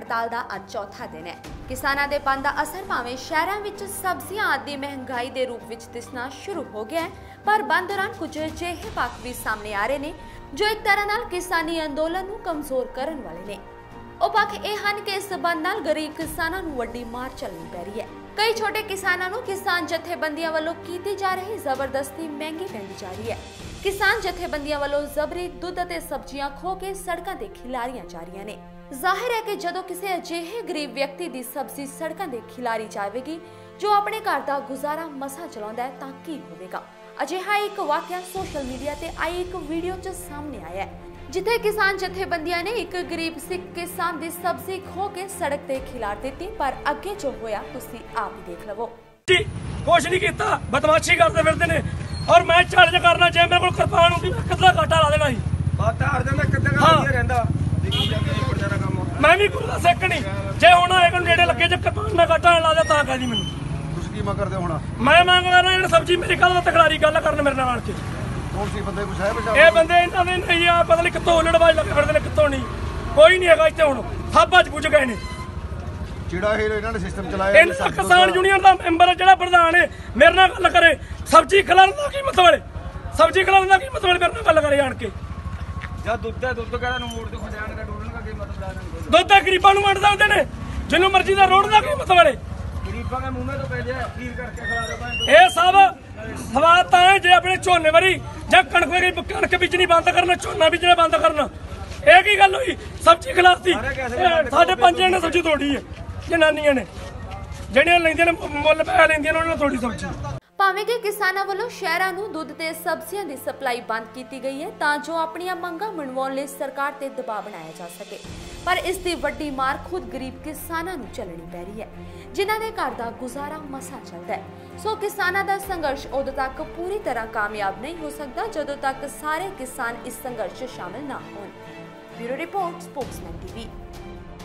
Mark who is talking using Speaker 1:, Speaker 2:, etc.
Speaker 1: हड़ताल का अज चौथा दिन है। किसानां दे बंद का असर भावें शहरां विच सब्जियां आदि महंगाई के रूप में दिसना शुरू हो गया है, पर बंद दौरान कुछ अजिहे पक्ष भी सामने आ रहे हैं जो एक तरह नाल किसानी अंदोलन नूं कमजोर करन वाले ने। ਉਹ पक्ष ਇਹ ਹਨ कि इस बंद नाल गरीब किसानां नूं वड्डी मार झल्लनी पै रही है। कई छोटे किसानां नूं किसान जथेबंदियां वालों की जा रही जबरदस्ती महंगी पैंदी जा रही है। किसान जथेबंदियां वालों जबरी दुध अते सब्जियां खो के सड़कों ते खिलारियां जा रही ने। जाहिर है कि जदों किसी अजिहे गरीब व्यक्ति की सब्जी सड़कों ते खिलारी जाएगी जो अपने घर का गुजारा मसा चलाउंदा है तां की होवेगा। अजिहा एक वाकया सोशल मीडिया ते आई एक वीडियो च सामने आया है जिथे किसान जथेबंदियां ने एक गरीब सिख किसान की सब्जी खो के सड़क ते खिलार दी, पर अगे जो होया तुसी आप ही देख लवो।
Speaker 2: कुछ नहीं कीता, बदमाशी करते फिरते ने और मैं चार्ज करना चाहे मेरे को कृपान होंगी मैं कितना घाटा ला देना मैं भी गुरु सिख नहीं जे होना है नेड़े लगे जो कृपान में घाटा ला दिया कह दी मैं मांग करना सब्जी मेरी कल तकरारी गल करन मेरे नाल के ਇਹ ਬੰਦੇ ਇਹਨਾਂ ਦੇ ਨਹੀਂ ਆ ਪਤਾ ਨਹੀਂ ਕਿੱਥੋਂ ਉਲੜਵਾਜ ਲੱਗੇ ਫਿਰਦੇ ਨੇ ਕਿੱਥੋਂ ਨਹੀਂ ਕੋਈ ਨਹੀਂ ਹੈਗਾ ਇੱਥੇ ਹੁਣ ਸਭ ਅੱਜ ਪੁੱਜ ਗਏ ਨੇ
Speaker 3: ਜਿਹੜਾ ਇਹਨਾਂ ਨੇ ਸਿਸਟਮ ਚਲਾਇਆ
Speaker 2: ਇਹਨਾਂ ਕਿਸਾਨ ਯੂਨੀਅਨ ਦਾ ਮੈਂਬਰ ਜਿਹੜਾ ਪ੍ਰਧਾਨ ਹੈ ਮੇਰੇ ਨਾਲ ਗੱਲ ਕਰੇ ਸਬਜ਼ੀ ਖਿਲਾਰਨ ਦਾ ਕੀ ਮਤਲਬ ਹੈ ਸਬਜ਼ੀ ਖਿਲਾਰਨ ਦਾ ਕੀ ਮਤਲਬ ਮੇਰੇ ਨਾਲ ਗੱਲ ਕਰੇ ਆਣ ਕੇ
Speaker 4: ਜਦ ਦੁੱਧ ਕਹਿੰਦਾ ਨੂੰ ਮੋੜ ਤੇ ਖੜਿਆਣ ਦਾ ਡੋਲਣ ਦਾ ਕੀ ਮਤਲਬ
Speaker 2: ਦੁੱਧ ਤਾਂ ਗਰੀਬਾਂ ਨੂੰ ਵੰਡਦਾ ਹੁੰਦੇ ਨੇ ਜਿਹਨੂੰ ਮਰਜ਼ੀ ਦਾ ਰੋਡ ਦਾ ਕੀ ਮਤਲਬ ਹੈ
Speaker 4: ਗਰੀਬਾਂ ਦੇ ਮੂੰਹ ਤੋਂ ਪੈ ਜਾ ਖੀਰ ਕਰਕੇ ਖਿਲਾ ਦੇ
Speaker 2: ਇਹ ਸਭ ਸਵਾਦ ਤਾਂ ਹੈ ਜੇ ਆਪਣੇ ਝੋਨੇ ਵਾਰੀ ਜਾਂ ਕਣਕ ਬੀਜਣੀ ਬੰਦ ਕਰਨਾ ਝੋਨਾ ਬੀਜਣਾ ਬੰਦ ਕਰਨਾ ਇਹ ਕੀ ਗੱਲ ਹੋਈ ਸਬਜ਼ੀ ਖਿਲਾਫਤੀ ਸਾਡੇ ਪੰਜੇ ਨੇ ਸਬਜ਼ੀ ਤੋੜੀ ਹੈ ਜਨਾਨੀਆਂ ਨੇ ਜਿਹੜੀਆਂ ਲੈਂਦੀਆਂ ਨੇ ਮੁੱਲ ਪੈ ਲੈਂਦੀਆਂ ਨੇ ਉਹਨਾਂ ਨੇ ਥੋੜੀ ਸਬਜ਼ੀ
Speaker 1: ਭਾਵੇਂ ਕਿ ਕਿਸਾਨਾਂ ਵੱਲੋਂ ਸ਼ਹਿਰਾਂ ਨੂੰ ਦੁੱਧ ਤੇ ਸਬਜ਼ੀਆਂ ਦੀ ਸਪਲਾਈ ਬੰਦ ਕੀਤੀ ਗਈ ਹੈ ਤਾਂ ਜੋ ਆਪਣੀਆਂ ਮੰਗਾਂ ਮਨਵਾਉਣ ਲਈ ਸਰਕਾਰ ਤੇ ਦਬਾਅ ਬਣਾਇਆ ਜਾ ਸਕੇ, ਪਰ ਇਸ ਦੀ ਵੱਡੀ ਮਾਰ ਖੁਦ ਗਰੀਬ ਕਿਸਾਨਾਂ ਨੂੰ ਝੱਲਣੀ ਪੈ ਰਹੀ ਹੈ ਜਿਨ੍ਹਾਂ ਦੇ ਘਰ ਦਾ ਗੁਜ਼ਾਰਾ ਮਸਾ ਚੱਲਦਾ ਹੈ। ਸੋ ਕਿਸਾਨਾਂ ਦਾ ਸੰਘਰਸ਼ ਉਦੋਂ ਤੱਕ ਪੂਰੀ ਤਰ੍ਹਾਂ ਕਾਮਯਾਬ ਨਹੀਂ ਹੋ ਸਕਦਾ ਜਦੋਂ ਤੱਕ ਸਾਰੇ ਕਿਸਾਨ ਇਸ ਸੰਘਰਸ਼ 'ਚ ਸ਼ਾਮਲ ਨਾ ਹੋਣ। Bureau report, Spokesman TV.